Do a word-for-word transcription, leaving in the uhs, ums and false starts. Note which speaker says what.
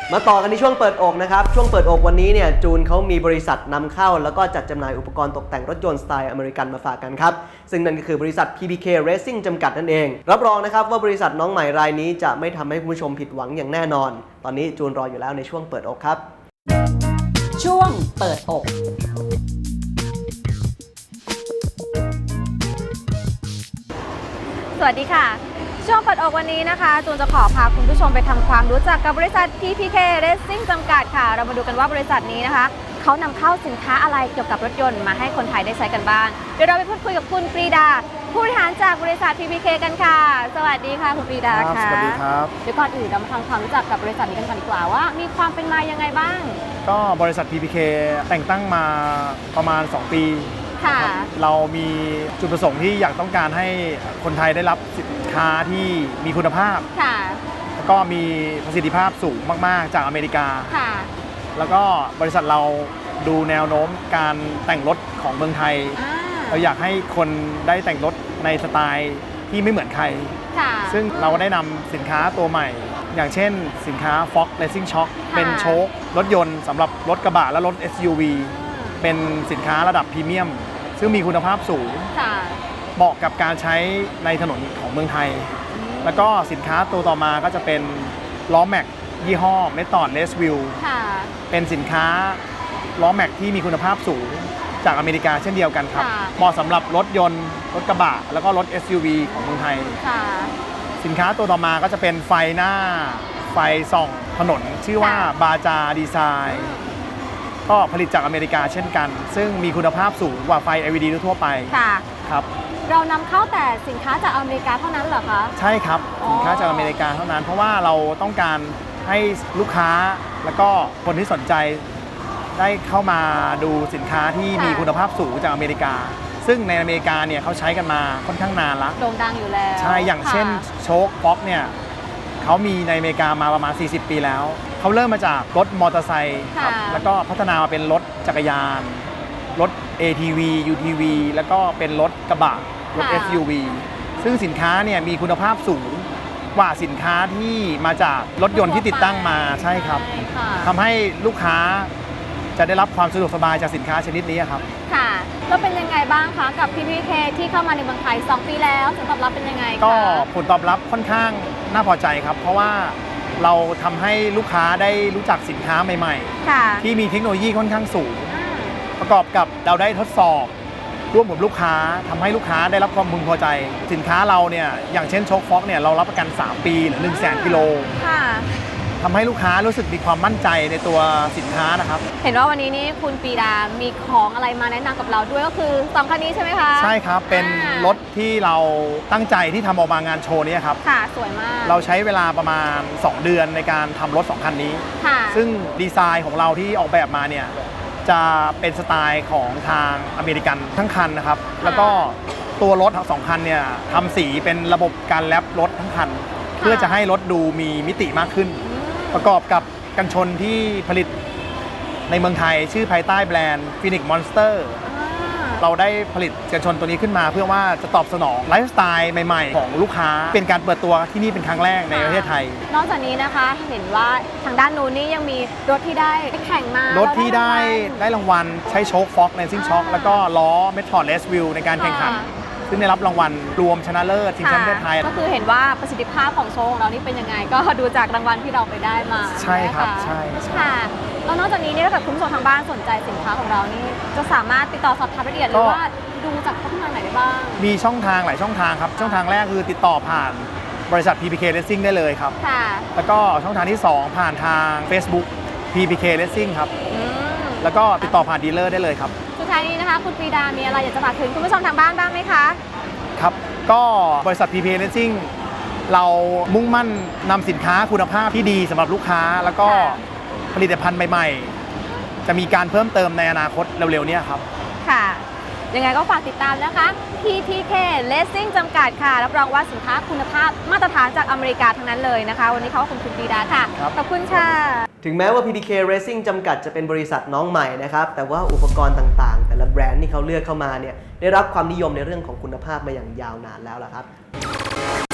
Speaker 1: มาต่อกันที่ช่วงเปิดอกนะครับช่วงเปิดอกวันนี้เนี่ยจูนเขามีบริษัทนำเข้าแล้วก็จัดจำหน่ายอุปกรณ์ตกแต่งรถยนต์สไตล์อเมริกันมาฝากกันครับซึ่งนั่นก็คือบริษัท พี พี เค Racing จำกัดนั่นเองรับรองนะครับว่าบริษัทน้องใหม่รายนี้จะไม่ทำให้คุณผู้ชมผิดหวังอย่างแน่นอนตอนนี้จูนรออยู่แล้วในช่วงเปิดอกครับ
Speaker 2: ช่วงเปิดอกสวัสดีค่ะช่วงเปิดอกวันนี้นะคะจูนจะขอพาคุณผู้ชมไปทำความรู้จักกับบริษัท พี พี เค Racing จำกัดค่ะเรามาดูกันว่าบริษัทนี้นะคะเขานำเข้าสินค้าอะไรเกี่ยวกับรถยนต์มาให้คนไทยได้ใช้กันบ้างเดี๋ยวเราไปพูดคุยกับคุณปรีดาผู้บริหารจากบริษัท พี พี เค กันค่ะสวัสดีค่ะคุณปรีดาค่ะ
Speaker 3: สวัสดีครับ
Speaker 2: เดี๋ยวก่อนอื่นเรามาทำความรู้จักกับบริษัทนี้กันก่อนดีกว่าว่ามีความเป็นมายังไงบ้าง
Speaker 3: ก็บริษัท พี พี เค แต่งตั้งมาประมาณสองปีเรามีจุดประสงค์ที่อยากต้องการให้คนไทยได้รับสินค้าที่มีคุณภาพแล้วก็มีประสิทธิภาพสูงมากๆจากอเมริกาแล้วก็บริษัทเราดูแนวโน้มการแต่งรถของเมืองไทยเราอยากให้คนได้แต่งรถในสไตล์ที่ไม่เหมือนใครซึ่งเราได้นำสินค้าตัวใหม่อย่างเช่นสินค้า Fox Racing Shock เป็นโชครถยนต์สำหรับรถกระบะและรถ เอส ยู วี เป็นสินค้าระดับพรีเมียมซึ่งมีคุณภาพสูงเหมาะกับการใช้ในถนนของเมืองไทยแล้วก็สินค้าตัวต่อมาก็จะเป็นล้อแม็กยี่ห้อ Method Racewheel เป็นสินค้าล้อแม็กที่มีคุณภาพสูงจากอเมริกาเช่นเดียวกันครับเหมาะสำหรับรถยนต์รถกระบะแล้วก็รถ เอส ยู วี ของเมืองไทยสินค้าตัวต่อมาก็จะเป็นไฟหน้าไฟส่องถนนชื่อว่าบาจาดีไซน์ก็ผลิตจากอเมริกาเช่นกันซึ่งมีคุณภาพสูงกว่าไฟ แอล อี ดี ทั่วไปครับ
Speaker 2: เรานำเข้าแต่สินค้าจากอเมริกาเท่านั้นเหรอคะ
Speaker 3: ใช่ครับสินค้าจากอเมริกาเท่านั้นเพราะว่าเราต้องการให้ลูกค้าแล้วก็คนที่สนใจได้เข้ามาดูสินค้าที่มีคุณภาพสูงจากอเมริกาซึ่งในอเมริกาเนี่ยเขาใช้กันมาค่อนข้างนานแล้ว
Speaker 2: โด่งดังอยู่แล้ว
Speaker 3: ใช่อย่างเช่นโชคฟ็อกเนี่ยเขามีในอเมริกามาประมาณสี่สิบปีแล้วเขาเริ่มมาจากรถมอเตอร์ไซค์ครับแล้วก็พัฒนามาเป็นรถจักรยานรถ เอ ที วี ยู ที วี แล้วก็เป็นรถกระบะรถ เอส ยู วี ซึ่งสินค้าเนี่ยมีคุณภาพสูงกว่าสินค้าที่มาจากรถยนต์ที่ติดตั้งมาใช่ครับทำให้ลูกค้าจะได้รับความสะดวกสบายจากสินค้าชนิดนี้ครับ
Speaker 2: ค่ะแล้วเป็นยังไงบ้างคะกับ พี พี เค ที่เข้ามาในเมืองไทยสองปีแล้วผลตอบรับเป็นยังไงคะ
Speaker 3: ก็ผลตอบรับค่อนข้างน่าพอใจครับเพราะว่าเราทำให้ลูกค้าได้รู้จักสินค้าใหม่ๆที่มีเทคโนโลยีค่อนข้างสูงประกอบกับเราได้ทดสอบร่วมกับลูกค้าทำให้ลูกค้าได้รับความพึงพอใจสินค้าเราเนี่ยอย่างเช่นโชคฟ็อกเนี่ยเรารับประกันสามปีหรือหนึ่งแสนกิโลทำให้ลูกค้ารู้สึกมีความมั่นใจในตัวสินค้านะครับ
Speaker 2: เห็นว่าวันนี้นี่คุณปรีดามีของอะไรมาแนะนำกับเราด้วยก็คือสองคันนี้ใช่ไหมคะ
Speaker 3: ใช่ครับเป็นรถที่เราตั้งใจที่ทำออกมางานโชว์นี้ครับ
Speaker 2: ค่ะสวยมาก
Speaker 3: เราใช้เวลาประมาณสองเดือนในการทำรถสองคันนี้ซึ่งดีไซน์ของเราที่ออกแบบมาเนี่ยจะเป็นสไตล์ของทางอเมริกันทั้งคันนะครับแล้วก็ตัวรถทั้งสองคันเนี่ยทำสีเป็นระบบการแรปรถทั้งคันเพื่อจะให้รถดูมีมิติมากขึ้นประกอบกับกันชนที่ผลิตในเมืองไทยชื่อภายใต้แบรนด์ Phoenix Monster เราได้ผลิตกันชนตัวนี้ขึ้นมาเพื่อว่าจะตอบสนองไลฟ์สไตล์ใหม่ๆของลูกค้าเป็นการเปิดตัวที่นี่เป็นครั้งแรกในประเทศไทย
Speaker 2: นอกจากนี้นะคะเห็นว่าทางด้านนู้นนี่ยังมีรถที่ได้แข่งมาร
Speaker 3: ถที่ได้ได้รางวัลใช้โชคฟ็อกในซิ่งช็อคแล้วก็ล้อ Method Racewheel ในการแข่งขันซึ่งได้รับรางวัลรวมชนะเลิศชิงแชมป์ประเทศไทย
Speaker 2: ก็คือเห็นว่าประสิทธิภาพของโชว์ของเรานี่เป็นยังไงก็ดูจากรางวัลที่เราไปได้มา
Speaker 3: ใช่ครับใช่
Speaker 2: ค่ะแล้วนอกจากนี้เนี่ยถ้าเกิดคุณผู้ชมทางบ้านสนใจสินค้าของเรานี่จะสามารถติดต่อสอบถามรายละเอียดหรือว่าดูจากช่องทางไหนได้บ้าง
Speaker 3: มีช่องทางหลายช่องทางครับช่องทางแรกคือติดต่อผ่านบริษัท พี พี เค Racing ได้เลยครับ
Speaker 2: ค่ะ
Speaker 3: แล้วก็ช่องทางที่สองผ่านทาง Facebook พี พี เค Racing ครับแล้วก็ติดต่อผ่านดีลเลอร์ได้เลยครับ
Speaker 2: สุดท้ายนี้นะคะคุณปรีดามีอะไรอยากจะฝากถึงคุณผู้ชมทางบ้านบ้างไหมคะ
Speaker 3: ครับก็บริษัท พี พี เค Racing เรามุ่งมั่นนำสินค้าคุณภาพที่ดีสำหรับลูกค้าแล้วก็ผลิตภัณฑ์ใหม่ๆจะมีการเพิ่มเติมในอนาคตเร็วๆนี้ครับ
Speaker 2: ค่ะยังไงก็ฝากติดตามนะคะ พี พี เค Racing จำกัดค่ะรับรองว่าสินค้าคุณภาพมาตรฐานจากอเมริกาทั้งนั้นเลยนะคะวันนี้เขาขอบคุณคุณปรีดาค่ะขอบคุณค่ะ
Speaker 1: ถึงแม้ว่า พี พี เค Racing จำกัดจะเป็นบริษัทน้องใหม่นะครับแต่ว่าอุปกรณ์ต่างๆแต่ละแบรนด์ที่เขาเลือกเข้ามาเนี่ยได้รับความนิยมในเรื่องของคุณภาพมาอย่างยาวนานแล้วล่ะครับ